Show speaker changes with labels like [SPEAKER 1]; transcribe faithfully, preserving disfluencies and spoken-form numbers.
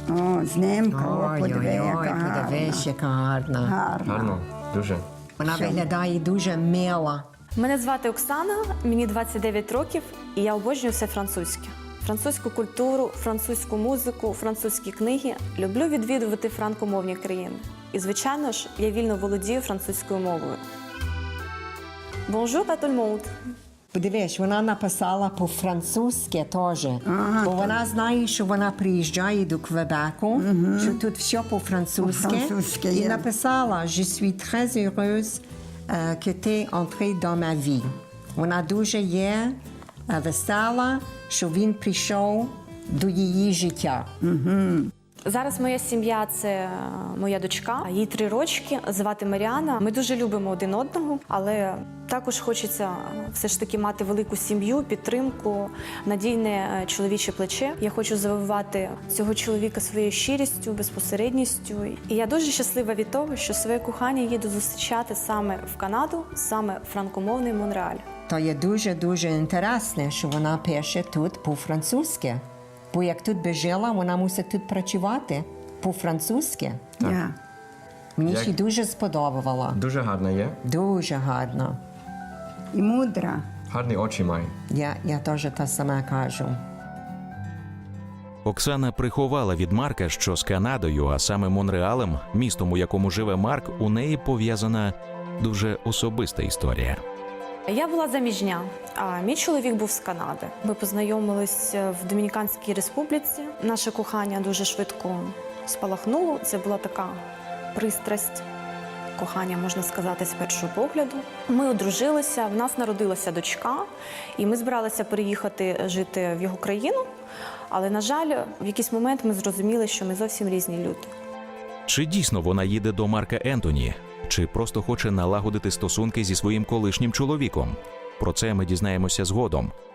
[SPEAKER 1] О, знімка, о, подиви,
[SPEAKER 2] Ой-ой-ой,
[SPEAKER 1] яка
[SPEAKER 2] подивись, яка гарна.
[SPEAKER 1] гарна.
[SPEAKER 3] Гарно, дуже.
[SPEAKER 2] Вона виглядає дуже мила.
[SPEAKER 4] Мене звати Оксана, мені двадцять дев'ять років, і я обожнюю все французьке. Французьку культуру, французьку музику, французькі книги. Люблю відвідувати франкомовні країни. І, звичайно ж, я вільно володію французькою мовою. Bonjour à tout le monde!
[SPEAKER 2] Подивись, вона написала по-французьки теж.
[SPEAKER 1] Ага,
[SPEAKER 2] Бо вона знає, що вона приїжджає до Квебеку, що тут все по-французьки.
[SPEAKER 1] По-французьки
[SPEAKER 2] І
[SPEAKER 1] є.
[SPEAKER 2] написала «Je suis très heureuse euh, que tu es entré dans ma vie». Вона дуже є е, весела, що він прийшов до її життя.
[SPEAKER 4] Зараз моя сім'я – це моя дочка, їй три рочки, звати Маріана. Ми дуже любимо один одного, але також хочеться все ж таки мати велику сім'ю, підтримку, надійне чоловіче плече. Я хочу завоювати цього чоловіка своєю щирістю, безпосередністю. І я дуже щаслива від того, що своє кохання їду зустрічати саме в Канаду, саме в франкомовний Монреаль.
[SPEAKER 2] То є дуже-дуже інтересне, що вона пише тут по-французьки. Бо як тут би жила, вона мусить тут працювати по-французьки.
[SPEAKER 1] Я.
[SPEAKER 2] Мені
[SPEAKER 3] Як-
[SPEAKER 2] ще дуже сподобала.
[SPEAKER 3] Дуже гарна є.
[SPEAKER 2] Дуже гарно.
[SPEAKER 1] І мудра.
[SPEAKER 3] Гарні очі має.
[SPEAKER 2] Я, я теж те саме кажу.
[SPEAKER 5] Оксана приховала від Марка, що з Канадою, а саме Монреалем, містом, у якому живе Марк, у неї пов'язана дуже особиста історія.
[SPEAKER 4] Я була заміжня, а мій чоловік був з Канади. Ми познайомились в Домініканській Республіці. Наше кохання дуже швидко спалахнуло. Це була така пристрасть, кохання, можна сказати, з першого погляду. Ми одружилися, в нас народилася дочка, і ми збиралися переїхати жити в його країну. Але, на жаль, в якийсь момент ми зрозуміли, що ми зовсім різні люди.
[SPEAKER 5] Чи дійсно вона їде до Марка Ентоні? Чи просто хоче налагодити стосунки зі своїм колишнім чоловіком? Про це ми дізнаємося згодом.